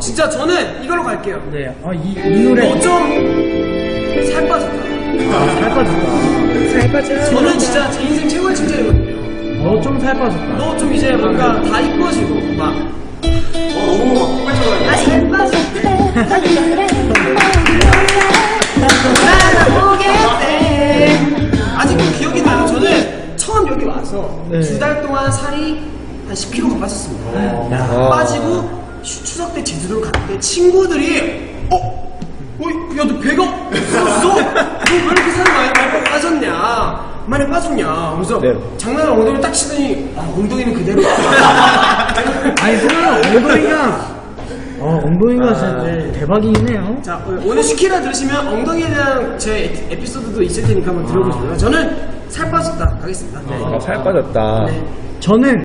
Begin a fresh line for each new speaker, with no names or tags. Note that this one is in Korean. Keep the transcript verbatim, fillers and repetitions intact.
진짜 저는 이걸로 갈게요.
네. 아, 이, 이 노래.
너 좀 살 빠졌다.
아, 살 빠졌다. 살 빠졌다.
저는 진짜 제 인생 최고의 칭찬이거든요.
너 좀 살 빠졌다.
너 좀 이제 뭔가 다 이뻐지고 막. 어, 너무 막 꿀쩍거려. 아, 살 빠졌대. 나보겠대. 아직도 기억이 나요. 저는 처음 여기 와서
네.
두 달 동안 살이 한 십 킬로그램가 빠졌습니다.
야.
빠지고 추- 추석 때 제주도를 갔는데 친구들이 어? 어이, 야, 너 배가 없었어? 너 왜 이렇게 살이 많이 많이 빠졌냐? 많이 빠졌냐? 그래서
네.
장난을 엉덩이를 딱 치더니 아, 엉덩이는 그대로.
아니, 그러면 엉덩이가, 어, 엉덩이가 진짜 대박이네요.
자, 오늘 슈키라 들으시면 엉덩이에 대한 제 에피- 에피소드도 있을 테니까 한번 들어보시고요. 저는 살 빠졌다 가겠습니다. 네.
아, 살 빠졌다.
네.
저는